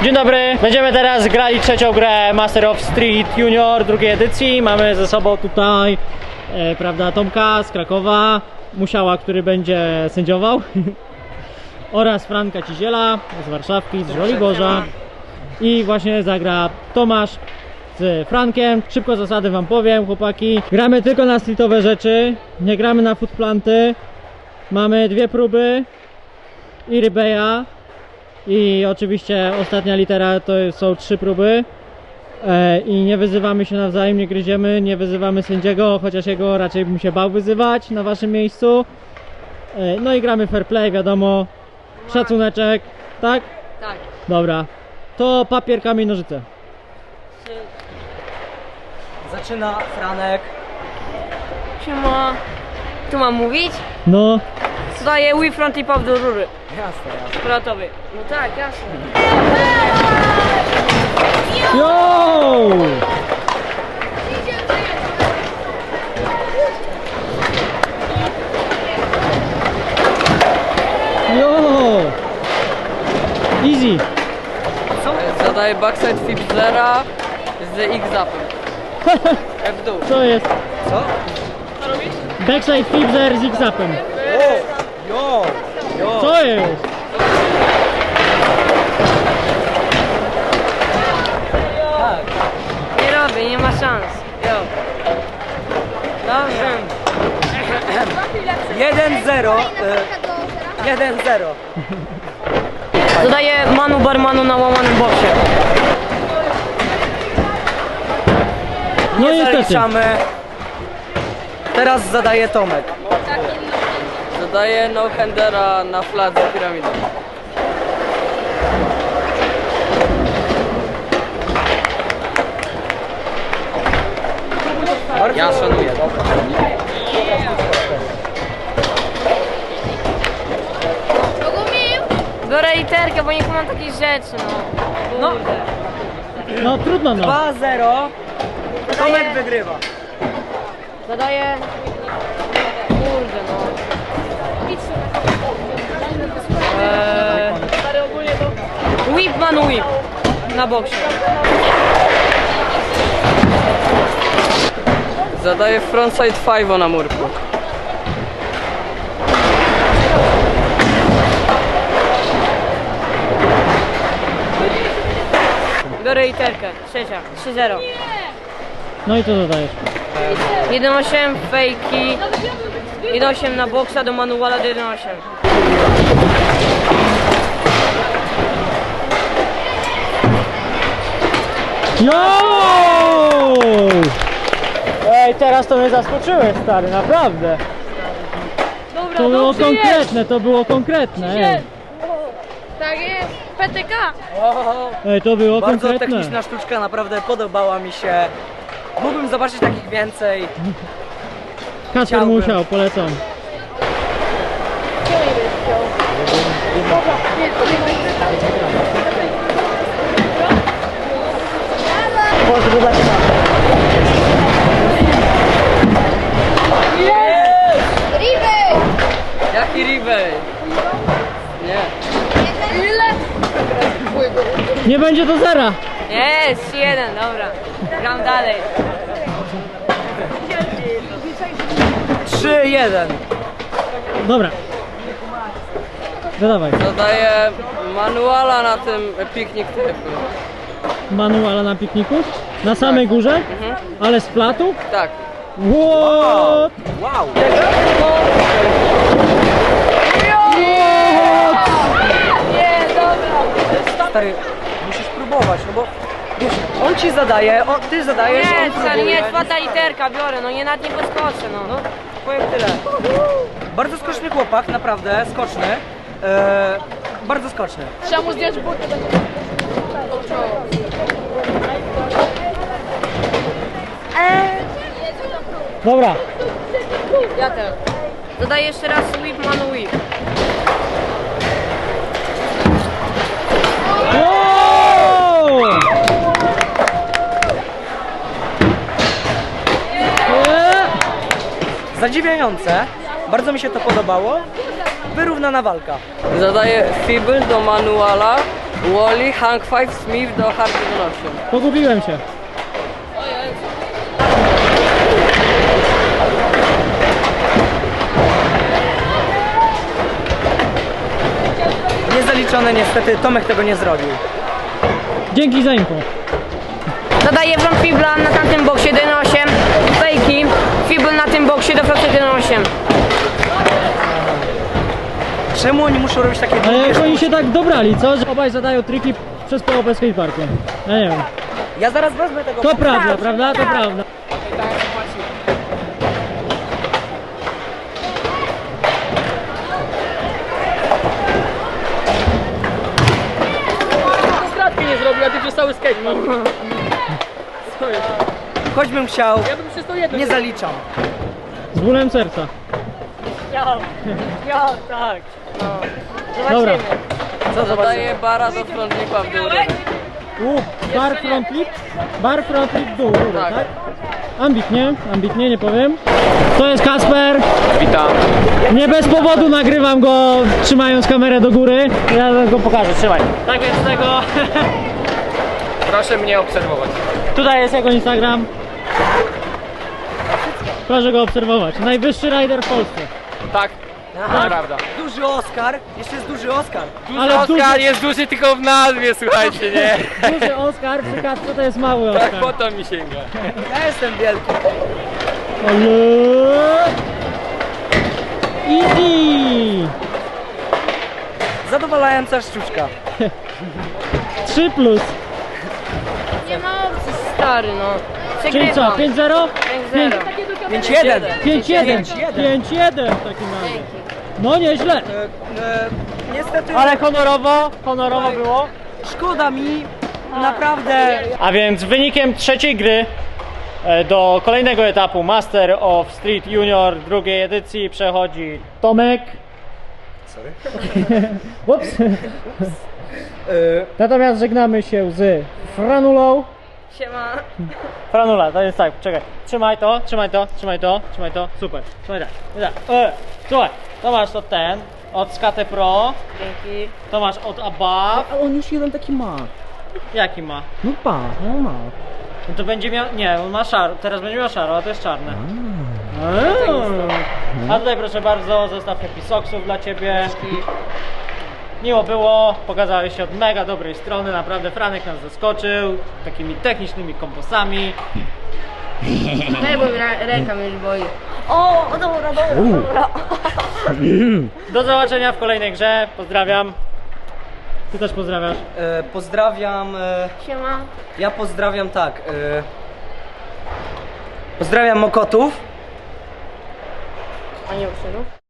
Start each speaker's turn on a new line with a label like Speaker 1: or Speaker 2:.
Speaker 1: Dzień dobry, będziemy teraz grali trzecią grę Master of Street Junior drugiej edycji. Mamy ze sobą tutaj, prawda, Tomka z Krakowa, Musiała, który będzie sędziował oraz Franka Ciziela z Warszawki, z Żoliborza. I właśnie zagra Tomasz z Frankiem. Szybko zasady wam powiem, chłopaki. Gramy tylko na streetowe rzeczy, nie gramy na footplanty. Mamy 2 próby i rybeja. I oczywiście ostatnia litera to są 3 próby. I nie wyzywamy się nawzajem, nie gryziemy, nie wyzywamy sędziego, chociaż jego raczej bym się bał wyzywać na waszym miejscu. No i gramy fair play, wiadomo. Szacuneczek, tak?
Speaker 2: Tak.
Speaker 1: Dobra. To papier, kamień, nożyce.
Speaker 3: Zaczyna Franek.
Speaker 2: Siema. Tu mam mówić?
Speaker 1: No.
Speaker 2: Zdaję whip front i pop do rury.
Speaker 3: Jasne, jasne.
Speaker 2: Kwalatowy. No tak, jasne.
Speaker 1: Yo! Yo! Easy.
Speaker 2: Zadaję backside flip zera z X-upem. W dół.
Speaker 1: Co jest?
Speaker 3: Co?
Speaker 1: Backside flipzer z X-upem.
Speaker 3: Jo! Jo!
Speaker 1: Co jest?
Speaker 2: Nie robię, nie ma szans. Jo. Dobrze.
Speaker 3: 1-0. 1-0.
Speaker 2: Zadaję manu barmanu na łamanym boksie.
Speaker 1: No
Speaker 3: Nie
Speaker 1: niestety.
Speaker 3: zaliczamy. Teraz zadaje Tomek.
Speaker 2: Zadaję no-handera na fladze piramidy. Ja szanuję. Biorę literkę, bo nie kumam takich rzeczy, no.
Speaker 1: No trudno no.
Speaker 3: 2-0. Tomek wygrywa.
Speaker 2: Zadaję... Kurde, no. Whip man whip. Na boksie. Zadaję frontside 5 na murku. Biorę literkę. Trzecia. 3-0.
Speaker 1: No i co dodajesz?
Speaker 2: 1-8, fejki. 1-8 na boksa do manuala do 1-8.
Speaker 1: Yo! Ej, teraz to mnie zaskoczyłeś, stary, naprawdę.
Speaker 2: Dobra,
Speaker 1: To było konkretne, to było konkretne. Ej,
Speaker 2: Tak jest, PTK.
Speaker 1: ej to było
Speaker 3: Bardzo
Speaker 1: konkretne.
Speaker 3: techniczna sztuczka, naprawdę podobała mi się. Mógłbym zobaczyć takich więcej.
Speaker 1: Kasper
Speaker 3: Chciałbym.
Speaker 1: Musiał, polecam. Pozdro dla ciebie.
Speaker 2: Jaki ribej? Nie.
Speaker 1: Nie będzie do zera.
Speaker 2: Jest, 1, dobra. Gram dalej.
Speaker 3: 3-1.
Speaker 1: Dobra. Dodawaj.
Speaker 2: Zadaję manuala na tym piknik typu.
Speaker 1: Manuala na pikniku? Na samej górze? Ale z platu?
Speaker 2: Tak.
Speaker 1: What?
Speaker 3: Wow.
Speaker 2: Nie, dobra.
Speaker 3: Stary, musisz próbować, no bo wiesz, on ci zadaje, ty zadajesz, on
Speaker 2: Nie,
Speaker 3: próbuje.
Speaker 2: nie, czwarta literka biorę, no nie nad nie podskoczę, no.
Speaker 3: Powiem tyle. Bardzo skoczny chłopak, naprawdę, skoczny. Bardzo skoczny.
Speaker 2: Trzeba mu zdjąć buty.
Speaker 1: Dobra.
Speaker 2: Ja też. Dodaję jeszcze raz whip man whip.
Speaker 1: Wow!
Speaker 3: Zadziwiające, bardzo mi się to podobało. Wyrównana walka.
Speaker 2: Zadaję fibl do manuala
Speaker 3: Wally, Hank 5, Smith do Hard 11.
Speaker 1: Pogubiłem się.
Speaker 3: Niezaliczone niestety, Tomek tego nie zrobił.
Speaker 1: Dzięki za info.
Speaker 2: Zadaję front fibla na tamtym boksie do 1.8, fejki, fibl na tym boksie do floty do 1.8.
Speaker 3: Czemu oni muszą robić takie
Speaker 1: Ale
Speaker 3: długie
Speaker 1: jak oni
Speaker 3: sztuczki?
Speaker 1: się tak dobrali, co? Że obaj zadają triki przez połowę skateparku. Ja nie wiem.
Speaker 3: Ja zaraz wezmę tego.
Speaker 1: To prawda, prawda? To prawda.
Speaker 4: Kratki nie zrobił, a ty przez cały skatepark.
Speaker 3: Choćbym chciał,
Speaker 4: Ja bym przez to jedno.
Speaker 3: nie zaliczam.
Speaker 1: Z bólem serca.
Speaker 4: Ja, tak.
Speaker 1: Dobra.
Speaker 3: Co zobaczymy?
Speaker 4: bara do frontnika w dół.
Speaker 1: Bar front flip? Bar front flip w dół, górę, tak? Ambitnie, nie powiem. To jest Kasper.
Speaker 4: Witam.
Speaker 1: Nie bez powodu nagrywam go trzymając kamerę do góry. Ja go pokażę, trzymaj. Tak więc tego...
Speaker 4: Proszę mnie obserwować.
Speaker 1: Tutaj jest jego Instagram. Proszę go obserwować. Najwyższy rider w Polsce.
Speaker 4: Tak, to prawda.
Speaker 3: Duży Oskar, jeszcze jest duży Oskar.
Speaker 1: Ale
Speaker 4: Oskar jest duży tylko w nazwie, słuchajcie, nie?
Speaker 1: duży Oskar, przy Kasprze to jest mały
Speaker 4: Tak
Speaker 1: Oskar.
Speaker 4: po to mi sięga.
Speaker 3: Ja jestem wielki.
Speaker 1: Ale... Easy!
Speaker 3: Zadowalająca sztuczka.
Speaker 1: 3 plus.
Speaker 2: Nie ma opcji, stary, no.
Speaker 1: Czyli co,
Speaker 2: Przegrywam.
Speaker 1: 5-0?
Speaker 2: 5-0.
Speaker 3: 5-1.
Speaker 1: 5-1 w takim razie. No nieźle.
Speaker 3: Niestety
Speaker 1: Ale honorowo było.
Speaker 3: szkoda mi, naprawdę.
Speaker 1: A więc wynikiem trzeciej gry do kolejnego etapu Master of Street Junior drugiej edycji przechodzi Tomek. Sorry. Ups. Natomiast żegnamy się z Franulą.
Speaker 2: Siema.
Speaker 1: Franula, to jest tak, czekaj. Trzymaj to, super. Trzymaj tak. Słuchaj, to masz od od Skate Pro,
Speaker 2: Dzięki.
Speaker 1: to masz od Above.
Speaker 3: A on już jeden taki ma.
Speaker 1: Jaki ma?
Speaker 3: No no ma.
Speaker 1: No to będzie miał, nie, on ma szaro, teraz będzie miał szaro, a to jest czarne. A tutaj proszę bardzo, zestaw Happy Socksów dla Ciebie. Miło było, pokazałeś się od mega dobrej strony, naprawdę Franek nas zaskoczył takimi technicznymi komposami.
Speaker 2: Nie, bo ręka mnie już boi. O, dobra.
Speaker 1: Do zobaczenia w kolejnej grze, pozdrawiam. Ty też pozdrawiasz.
Speaker 3: Pozdrawiam.
Speaker 2: Siema.
Speaker 3: Ja pozdrawiam tak. Pozdrawiam Mokotów.
Speaker 2: A nie uszedł?